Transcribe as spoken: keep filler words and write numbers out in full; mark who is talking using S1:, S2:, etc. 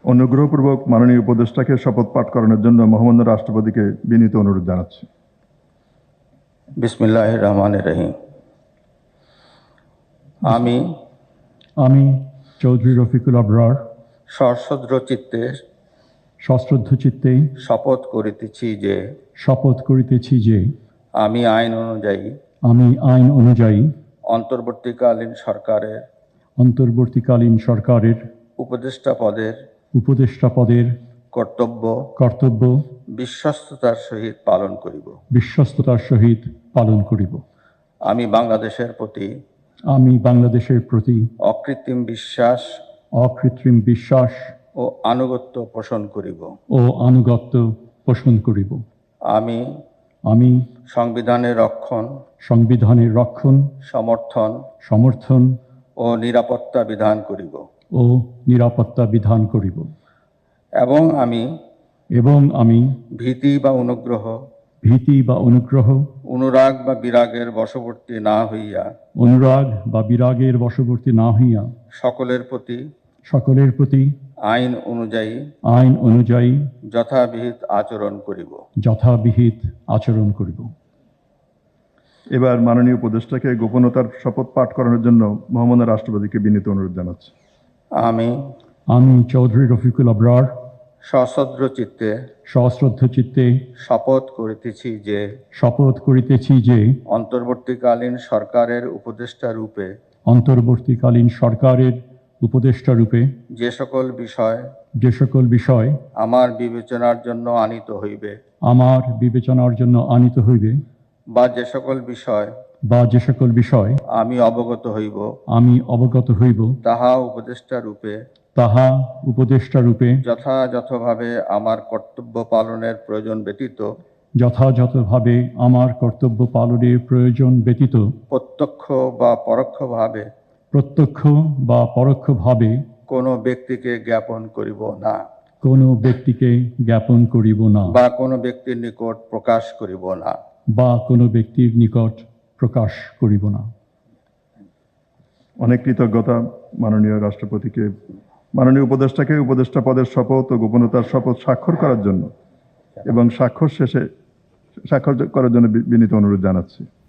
S1: অনুগ্রহপূর্বক মাননীয় উপদেষ্টাকে শপথ পাঠ করানোর জন্য মহামান্য রাষ্ট্রপতিকে বিনীত অনুরোধ জানাচ্ছি।
S2: বিসমিল্লাহির রহমানির রহিম। আমি
S3: আমি চৌধুরী রফিকুল আবরার
S2: সশ্রদ্ধ চিত্তে
S3: সশ্রদ্ধ চিত্তে
S2: শপথ করিতেছি যে
S3: শপথ করিতেছি যে
S2: আমি আইন অনুযায়ী
S3: আমি আইন অনুযায়ী
S2: অন্তর্বর্তীকালীন সরকারের
S3: অন্তর্বর্তীকালীন সরকারের
S2: উপদেষ্টা পদের
S3: উপদেষ্টা পদের
S2: কর্তব্য
S3: কর্তব্য
S2: বিশ্বস্ততার সহিত পালন করিব।
S3: বিশ্বস্ততার সহিত পালন করিব।
S2: আমি বাংলাদেশের প্রতি
S3: আমি বাংলাদেশের প্রতি
S2: অকৃত্রিম বিশ্বাস
S3: অকৃত্রিম বিশ্বাস
S2: ও আনুগত্য পোষণ করিব।
S3: ও আনুগত্য পোষণ করিব।
S2: আমি
S3: আমি
S2: সংবিধানের রক্ষণ,
S3: সংবিধানের রক্ষণ,
S2: সমর্থন
S3: সমর্থন
S2: ও নিরাপত্তা বিধান করিব
S3: ও নিরাপত্তা বিধান করিব
S2: এবং আমি
S3: এবং আমি
S2: ভীতি বা অনুগ্রহ,
S3: ভীতি বা অনুগ্রহ,
S2: অনুরাগ বা বিরাগের বশবর্তী না হইয়া
S3: অনুরাগ বা বিরাগের বশবর্তী না হইয়া
S2: সকলের প্রতি
S3: সকলের প্রতি
S2: আইন অনুযায়ী
S3: আইন অনুযায়ী
S2: যথাবিহিত আচরণ করিব।
S3: যথাবিহিত আচরণ করিব।
S1: এবার মাননীয় উপদেষ্টাকে গোপনতার শপথ পাঠ করানোর জন্য মহামান্য রাষ্ট্রপতিকে বিনীত অনুরোধ জানাচ্ছি।
S2: আমি
S3: আমি চৌধুরী রফিকুল আবরার
S2: সশ্রদ্ধ চিত্তে
S3: সশ্রদ্ধ চিত্তে
S2: শপথ করিতেছি যে
S3: শপথ করিতেছি যে
S2: অন্তর্বর্তীকালীন সরকারের উপদেষ্টা রূপে
S3: অন্তর্বর্তীকালীন সরকারের উপদেষ্টা রূপে
S2: যে সকল বিষয়
S3: যে সকল বিষয়
S2: আমার বিবেচনার জন্য আনিত হইবে
S3: আমার বিবেচনার জন্য আনিত হইবে
S2: বা যে সকল বিষয়
S3: বা যে সকল বিষয়
S2: আমি অবগত হইব
S3: আমি অবগত হইব
S2: তাহা উপদেষ্টা রূপে
S3: তাহা উপদেষ্টা রূপে
S2: যথাযথভাবে আমার কর্তব্য পালনের প্রয়োজন ব্যতীত
S3: যথাযথভাবে আমার কর্তব্য পালনের প্রয়োজন ব্যতীত
S2: প্রত্যক্ষ বা পরোক্ষভাবে
S3: প্রত্যক্ষ বা পরোক্ষভাবে
S2: কোনো ব্যক্তিকে জ্ঞাপন করিব না
S3: কোনো ব্যক্তিকে জ্ঞাপন করিব না
S2: বা কোনো ব্যক্তির নিকট প্রকাশ করিব না
S3: বা কোনো ব্যক্তির নিকট প্রকাশ করিব না।
S1: অনেক কৃতজ্ঞতা মাননীয় রাষ্ট্রপতিকে মাননীয় উপদেষ্টাকে উপদেষ্টা পদের শপথ ও গোপনতার শপথ স্বাক্ষর করার জন্য এবং স্বাক্ষর শেষে স্বাক্ষর করার জন্য বিনীত অনুরোধ জানাচ্ছি।